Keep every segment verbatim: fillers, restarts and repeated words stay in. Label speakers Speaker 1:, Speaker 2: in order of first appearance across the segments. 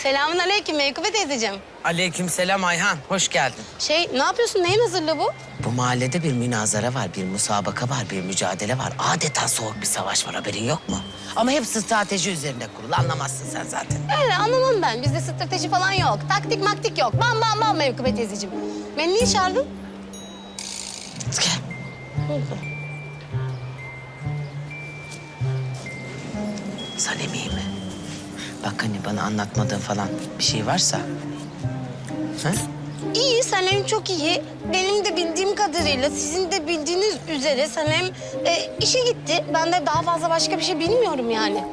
Speaker 1: Selamun aleyküm Mevkübe teyzeciğim.
Speaker 2: Aleykümselam Ayhan, hoş geldin.
Speaker 1: Şey, ne yapıyorsun? Neyin hazırlığı bu?
Speaker 2: Bu mahallede bir münazara var, bir musabaka var, bir mücadele var. Adeta soğuk bir savaş var, haberin yok mu? Ama hep strateji üzerine kurulu, anlamazsın sen zaten.
Speaker 1: Öyle anlamam ben. Bizde strateji falan yok. Taktik maktik yok. Bam bam bam Mevkübe teyzeciğim. Beni niye çağırdın?
Speaker 2: Gel. Sanem iyi mi? Bak hani bana anlatmadığın falan bir şey varsa... Ha?
Speaker 1: İyi, Sanem çok iyi. Benim de bildiğim kadarıyla sizin de bildiğiniz üzere Sanem e, işe gitti. Ben de daha fazla başka bir şey bilmiyorum yani.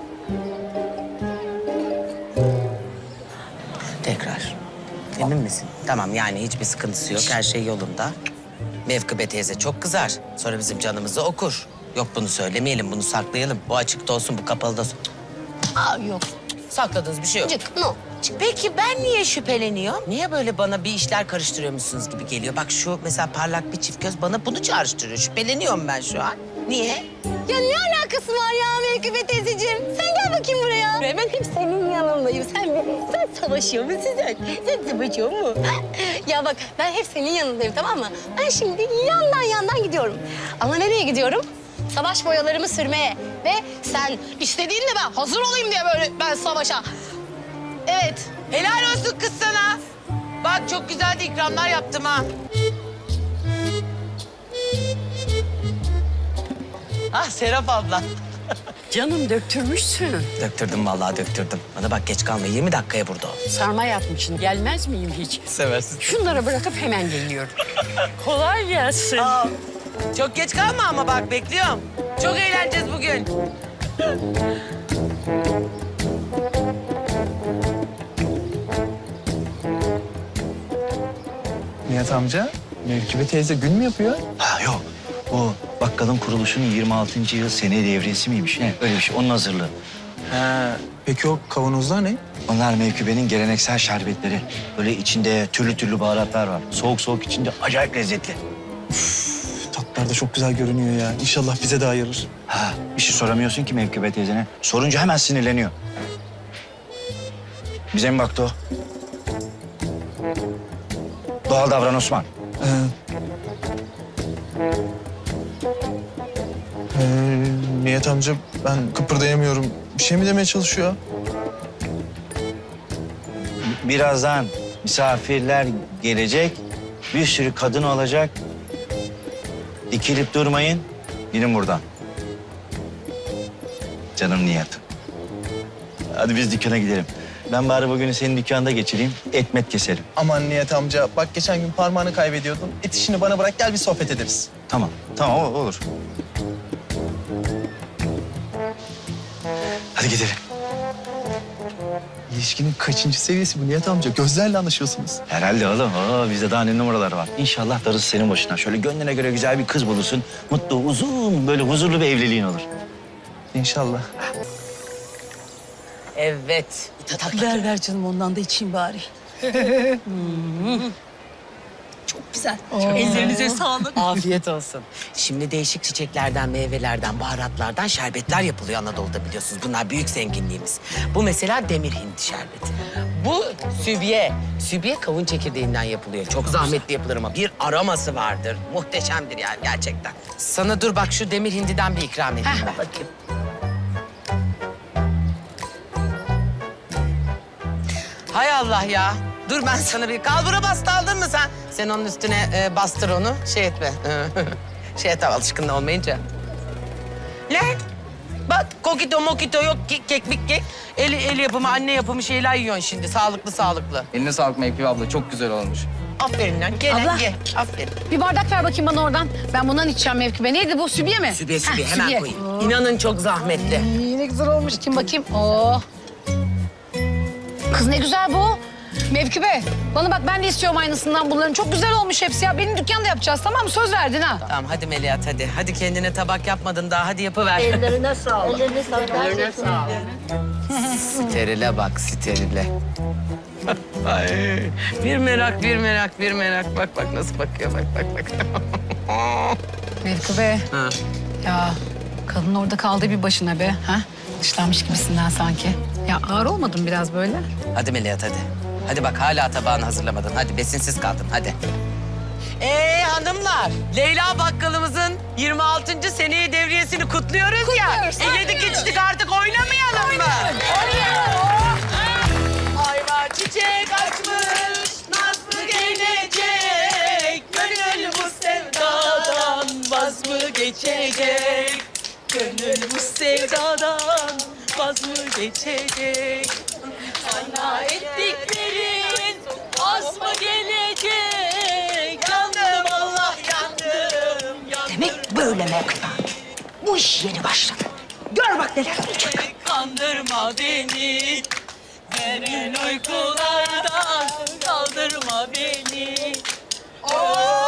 Speaker 2: Tekrar. Emin misin? Tamam yani hiçbir sıkıntısı yok, her şey yolunda. Mevkübe teyze çok kızar. Sonra bizim canımızı okur. Yok bunu söylemeyelim, bunu saklayalım. Bu açıkta olsun, bu kapalıda olsun.
Speaker 1: Aa yok.
Speaker 2: Sakladığınız bir şey yok.
Speaker 1: Cık, no.
Speaker 2: Peki ben niye şüpheleniyorum? Niye böyle bana bir işler karıştırıyormuşsunuz gibi geliyor? Bak şu mesela parlak bir çift göz bana bunu çağrıştırıyor. Şüpheleniyorum ben şu an. Niye?
Speaker 1: Ya ne alakası var ya Mevkübe teyzeciğim? Sen gel bakayım buraya. Ben hep senin yanındayım. Sen, sen savaşıyor musun sen? Sen savaşıyor mu? Ya bak ben hep senin yanındayım tamam mı? Ben şimdi yandan yandan gidiyorum. Ama nereye gidiyorum? Savaş boyalarımı sürmeye. Ve sen istediğinle ben hazır olayım diye böyle ben savaşa. Evet.
Speaker 2: Helal olsun kız sana. Bak çok güzel de ikramlar yaptım ha. Ah Serap abla.
Speaker 3: Canım döktürmüşsün.
Speaker 2: Döktürdüm vallahi döktürdüm. Bana bak geç kalma yirmi dakikaya burada ol.
Speaker 3: Sarma yapmışsın. Gelmez miyim hiç?
Speaker 2: Seversin.
Speaker 3: Şunları bırakıp hemen geliyorum. Kolay gelsin.
Speaker 2: Aa, çok geç kalma ama bak bekliyorum. Çok eğleneceğiz bugün.
Speaker 4: Nihat amca, Mevkübe teyze gün mü yapıyor?
Speaker 5: Ha yok. Bu bakkalın kuruluşunun yirmi altıncı yıl sene devriyesi miymiş ne? Öyle bir şey. Onun hazırlığı.
Speaker 4: He, peki o kavanozlar ne?
Speaker 5: Onlar Mevkübe'nin geleneksel şerbetleri. Böyle içinde türlü türlü baharatlar var. Soğuk soğuk içince acayip lezzetli.
Speaker 4: Tatlar da çok güzel görünüyor ya. İnşallah bize de ayırır.
Speaker 5: Ha, bir şey soramıyorsun ki Mevkübe teyzene. Sorunca hemen sinirleniyor. Bize mi baktı o? Doğal davran Osman.
Speaker 4: Ee, ee, Nihat amca ben kıpırdayamıyorum. Bir şey mi demeye çalışıyor?
Speaker 5: Birazdan misafirler gelecek. Bir sürü kadın olacak. Dikilip durmayın. Gidin buradan. Canım Nihat'ım. Hadi biz dükkana gidelim. Ben bari bugünü senin dükkanda geçireyim. Etmet keselim.
Speaker 4: Aman Nihat amca bak geçen gün parmağını kaybediyordun. Et işini bana bırak gel bir sohbet ederiz.
Speaker 5: Tamam. Tamam o- olur. Hadi gidelim.
Speaker 4: İlişkinin kaçıncı seviyesi bu Nihat amca? Gözlerle anlaşıyorsunuz.
Speaker 5: Herhalde oğlum. Oo, bizde daha ne numaralar var. İnşallah darısı senin başına. Şöyle gönlüne göre güzel bir kız bulursun. Mutlu, uzun, böyle huzurlu bir evliliğin olur.
Speaker 4: İnşallah.
Speaker 2: Evet.
Speaker 3: Ver ver canım ondan da içeyim bari. Çok güzel. Ellerinize sağlık.
Speaker 2: Afiyet olsun. Şimdi değişik çiçeklerden, meyvelerden, baharatlardan şerbetler yapılıyor Anadolu'da biliyorsunuz. Bunlar büyük zenginliğimiz. Bu mesela demir hindi şerbeti. Bu sübye. Sübye kavun çekirdeğinden yapılıyor. Çok zahmetli yapılır ama bir aroması vardır. Muhteşemdir yani gerçekten. Sana dur bak şu demir hindiden bir ikram edeyim ben. Bakayım. Hay Allah ya. Dur ben sana bir kalbura bastı aldın mı sen? Sen onun üstüne e, bastır onu. Şey etme. şey et alışkın olmayınca. Lan bak kokito mokito yok kek kek mik kek. El, el yapımı anne yapımı şeyler yiyorsun şimdi. Sağlıklı sağlıklı.
Speaker 6: Eline sağlık Mevkibe abla. Çok güzel olmuş.
Speaker 2: Aferin lan. Gel lan
Speaker 7: Abla.
Speaker 2: ye. Aferin.
Speaker 7: Bir bardak ver bakayım bana oradan. Ben bundan içeceğim Mevkübe. Neydi bu? Sübye mi?
Speaker 2: Sübye sübye
Speaker 7: Heh,
Speaker 2: hemen
Speaker 7: sübye.
Speaker 2: koyayım. İnanın çok zahmetli.
Speaker 7: İyi, ne güzel olmuş. Kim bakayım? Oo. Kız ne güzel bu. Mevkübe, bana bak ben de istiyorum aynısından bunların. Çok güzel olmuş hepsi ya. Benim dükkanda yapacağız tamam mı? Söz verdin ha.
Speaker 2: Tamam hadi Melihat hadi. Hadi kendine tabak yapmadın daha hadi yapıver.
Speaker 3: Ellerine sağlık. Ellerine sağlık. Ellerine sağlık.
Speaker 2: Sterile bak sterile. Ay, bir merak bir merak bir merak. Bak bak nasıl bakıyor bak bak bak.
Speaker 7: Mevkübe.
Speaker 2: Ha.
Speaker 7: Ya Kadın orada kaldı bir başına be. Ha? Dışlanmış gibisinden sanki. Ya ağır olmadın biraz böyle?
Speaker 2: Hadi Melahat hadi. Hadi bak hala tabağını hazırlamadın. Hadi besinsiz kaldın hadi. Ee hanımlar, Leyla bakkalımızın yirmi altıncı seneye devriyesini kutluyoruz,
Speaker 7: Kutluyoruz,
Speaker 2: ya. E, yedik içtik artık oynamayalım mı?
Speaker 7: Oynayalım.
Speaker 2: Ayva çiçek açmış, nasıl gelecek? Gönül bu sevdadan vaz mı geçecek? Gönül bu sevdadan vaz mı geçecek? Sana ettiklerin az mı gelecek? Yandım Allah yandım, yandım.
Speaker 8: Demek böyle Mevkübe. Bu iş yeni başladı. Gör bak neler olacak.
Speaker 2: Kandırma beni, derin uykulardan kaldırma beni. Oh!